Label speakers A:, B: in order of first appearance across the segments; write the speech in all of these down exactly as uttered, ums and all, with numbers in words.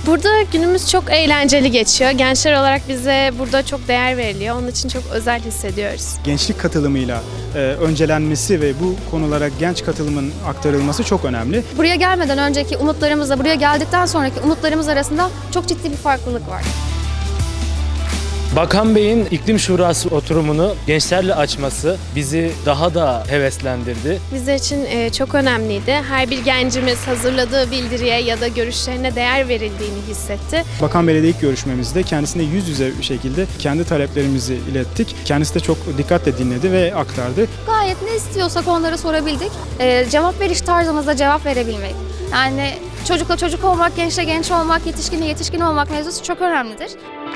A: Burada günümüz çok eğlenceli geçiyor. Gençler olarak bize burada çok değer veriliyor. Onun için çok özel hissediyoruz.
B: Gençlik katılımıyla e, öncelenmesi ve bu konulara genç katılımın aktarılması çok önemli.
C: Buraya gelmeden önceki umutlarımızla buraya geldikten sonraki umutlarımız arasında çok ciddi bir farklılık var.
D: Bakan Bey'in iklim şurası oturumunu gençlerle açması bizi daha da heveslendirdi.
A: Bizler için e, çok önemliydi. Her bir gencimiz hazırladığı bildiriye ya da görüşlerine değer verildiğini hissetti.
B: Bakan Bey'le ilk görüşmemizde kendisine yüz yüze bir şekilde kendi taleplerimizi ilettik. Kendisi de çok dikkatle dinledi ve aktardı.
C: Gayet ne istiyorsak onlara sorabildik. Ee, cevap veriş tarzımızda cevap verebilmek. Yani çocukla çocuk olmak, gençle genç olmak, yetişkinle yetişkin olmak mevzusu çok önemlidir.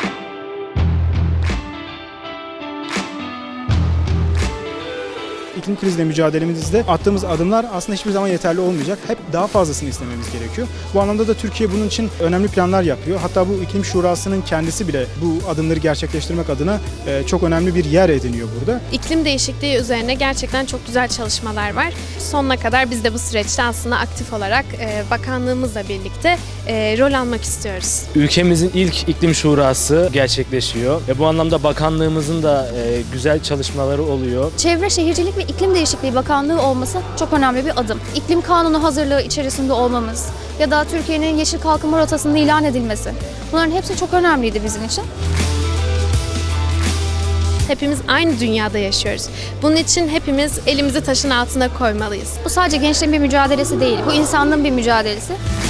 B: İklim krizle mücadelemizde attığımız adımlar aslında hiçbir zaman yeterli olmayacak. Hep daha fazlasını istememiz gerekiyor. Bu anlamda da Türkiye bunun için önemli planlar yapıyor. Hatta bu iklim şurasının kendisi bile bu adımları gerçekleştirmek adına çok önemli bir yer ediniyor burada.
A: İklim değişikliği üzerine gerçekten çok güzel çalışmalar var. Sonuna kadar biz de bu süreçte aslında aktif olarak e, bakanlığımızla birlikte e, rol almak istiyoruz.
D: Ülkemizin ilk iklim şurası gerçekleşiyor ve bu anlamda bakanlığımızın da e, güzel çalışmaları oluyor.
C: Çevre, Şehircilik ve İklim Değişikliği Bakanlığı olması çok önemli bir adım. İklim kanunu hazırlığı içerisinde olmamız ya da Türkiye'nin yeşil kalkınma rotasının ilan edilmesi. Bunların hepsi çok önemliydi bizim için.
A: Hepimiz aynı dünyada yaşıyoruz. Bunun için hepimiz elimizi taşın altına koymalıyız.
C: Bu sadece gençlerin bir mücadelesi değil, bu insanlığın bir mücadelesi.